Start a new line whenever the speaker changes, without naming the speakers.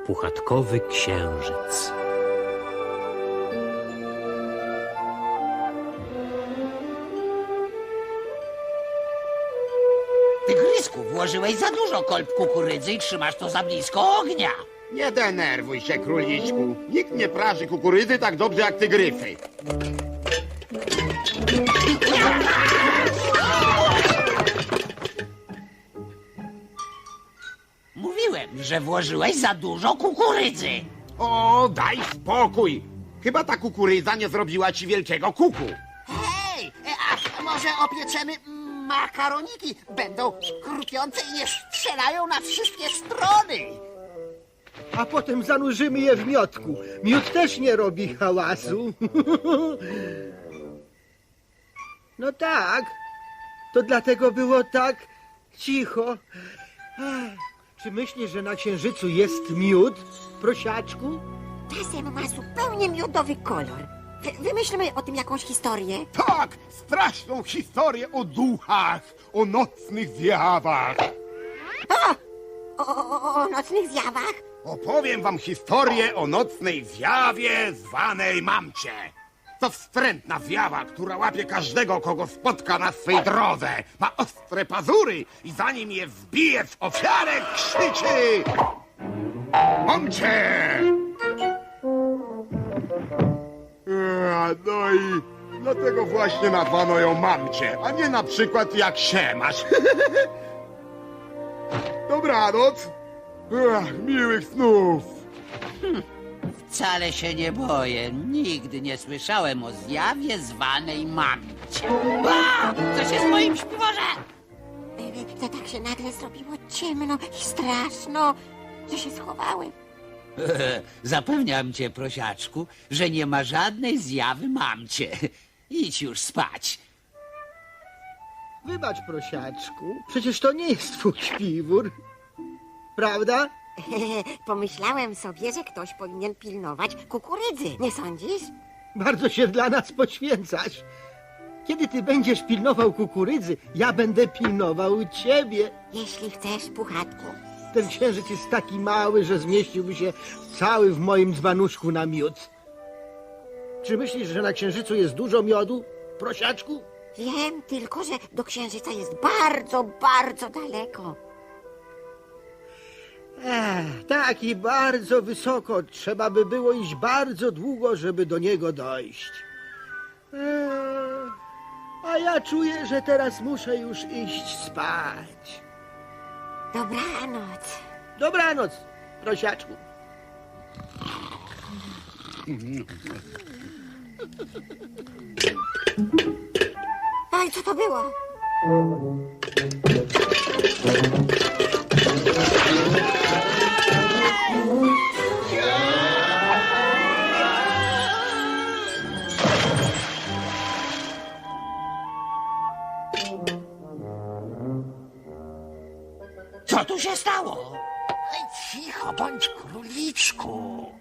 puchatkowy księżyc.
Tygrysku, włożyłeś za dużo kolb kukurydzy i trzymasz to za blisko ognia.
Nie denerwuj się, króliczku. Nikt nie praży kukurydzy tak dobrze jak tygryfy.
Mówiłem, że włożyłeś za dużo kukurydzy.
O, daj spokój. Chyba ta kukurydza nie zrobiła ci wielkiego kuku.
Hej, a może opieczemy makaroniki? Będą krupiące i nie strzelają na wszystkie strony.
A potem zanurzymy je w miodku. Miód też nie robi hałasu. No tak, to dlatego było tak cicho. Czy myślisz, że na księżycu jest miód, prosiaczku?
Czasem ma zupełnie miodowy kolor. Wymyślmy o tym jakąś historię.
Tak, straszną historię o duchach, o nocnych zjawach.
O nocnych zjawach?
Opowiem wam historię o nocnej zjawie zwanej Mamcie. To wstrętna zjawa, która łapie każdego, kogo spotka na swej drodze. Ma ostre pazury i zanim je wbije w ofiarę, krzyczy: Mamcie! No i dlatego właśnie nazwano ją Mamcie, a nie na przykład jak się masz. Dobranoc. Miłych snów.
Wcale się nie boję. Nigdy nie słyszałem o zjawie zwanej Mamcie. A! Co się z moim śpiworze?
To tak się nagle zrobiło ciemno i straszno, że się schowałem.
Zapewniam cię, prosiaczku, że nie ma żadnej zjawy Mamcie. Idź już spać.
Wybacz, prosiaczku, przecież to nie jest twój śpiwór. Prawda?
Pomyślałem sobie, że ktoś powinien pilnować kukurydzy, nie sądzisz?
Bardzo się dla nas poświęcasz. Kiedy ty będziesz pilnował kukurydzy, ja będę pilnował ciebie.
Jeśli chcesz, Puchatku.
Ten księżyc jest taki mały, że zmieściłby się cały w moim dzbanuszku na miód. Czy myślisz, że na księżycu jest dużo miodu, prosiaczku?
Wiem tylko, że do księżyca jest bardzo, bardzo daleko.
Tak i bardzo wysoko. Trzeba by było iść bardzo długo, żeby do niego dojść. A ja czuję, że teraz muszę już iść spać.
Dobranoc.
Dobranoc, prosiaczku.
Oj, co to było?
Co tu się stało?
Cicho bądź, króliczku.